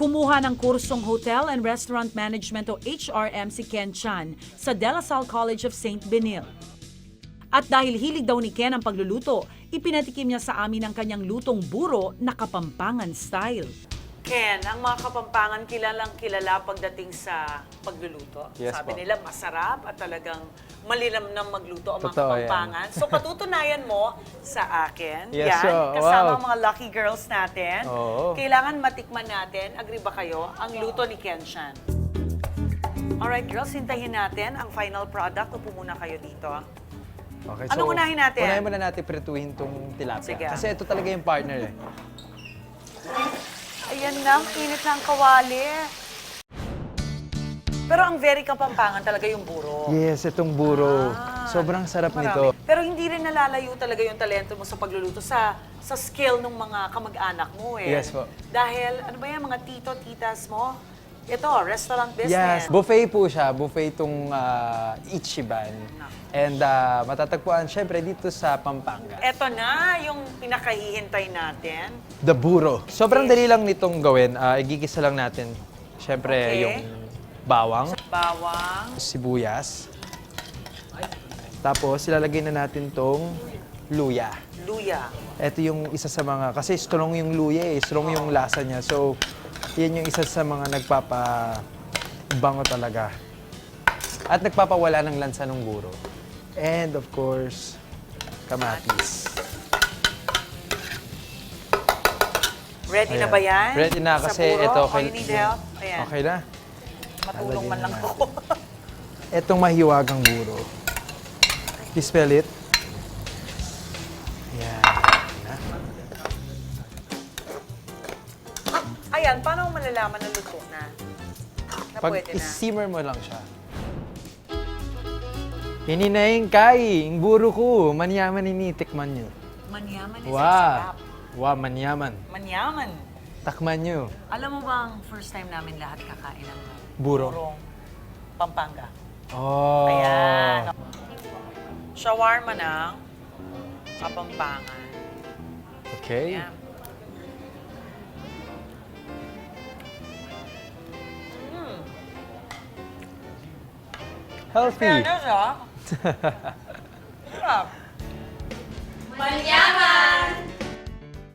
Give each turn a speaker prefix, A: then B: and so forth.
A: Kumuha ng kursong Hotel and Restaurant Management o HRM si Ken Chan sa De La Salle College of St. Benil. At dahil hilig daw ni Ken ang pagluluto, ipinatikim niya sa amin ang kanyang lutong buro na Kapampangan style. Ken, ang mga Kapampangan kilalang kilala pagdating sa pagluluto.
B: Yes,
A: Sabi
B: po.
A: nila masarap at talagang malilamnam magluto ang mga
B: Totoo yan.
A: Kapampangan. So patutunayan mo sa akin,
B: Yes,
A: yan,
B: oh,
A: kasama
B: wow.
A: ang mga lucky girls natin.
B: Oo.
A: Kailangan matikman natin, agree ba kayo, ang luto ni Ken Chan. Alright girls, hintayin natin ang final product. Upo muna kayo dito.
B: Okay,
A: Anong unahin natin?
B: Unahin muna natin prituhin tong tilapia.
A: Sige.
B: Kasi ito talaga yung partner eh.
A: Ayan na, ang init na ang kawali. Pero ang very Kapampangan talaga yung buro.
B: Yes, itong buro. Sobrang sarap nito.
A: Pero hindi rin nalalayo talaga yung talento mo sa pagluluto sa skill ng mga kamag-anak mo eh.
B: Yes po.
A: Dahil, ano ba yan, mga tito, titas mo? Ito, restaurant
B: Yes,
A: business.
B: buffet po siya. Buffet itong Ichiban. And matatagpuan syempre dito sa Pampanga.
A: Ito na yung pinakahihintay natin.
B: The buro. Sobrang dali lang nitong gawin. Igigisa lang natin syempre
A: Okay.
B: yung bawang,
A: Bawang,
B: sibuyas. Tapos ilalagay na natin tong luya.
A: luya.
B: Ito yung isa sa mga, kasi strong yung luya eh, strong yung lasa niya. So, yan yung isa sa mga nagpapabango talaga. At nagpapawala ng lansa ng buro. And of course, kamatis.
A: Ready na
B: Ayan.
A: ba yan?
B: Ready na
A: Sa
B: kasi
A: puro?
B: ito.
A: Or you need help? Ayan.
B: Okay na.
A: Matulong man
B: Lalagyan
A: lang
B: na
A: ako.
B: Itong mahiwagang buro. You spell it? Yan.
A: Ayan, paano mo malalaman na luto na? Na
B: Pag
A: pwede na?
B: i-simmer mo lang siya. Hininayin kay, ang buro ko. Manyaman initikman nyo.
A: Manyaman is
B: Wow.
A: sarap.
B: Wow, manyaman.
A: Manyaman.
B: Takman nyo.
A: Alam mo bang first time namin lahat kakain ng
B: Buro.
A: burong Pampanga?
B: Oh.
A: Ayan. Shawarma ng Kapampangan.
B: Okay.
A: Ayan.
B: Healthy.
A: Fairness, ha? Sarap.
C: Manyaman!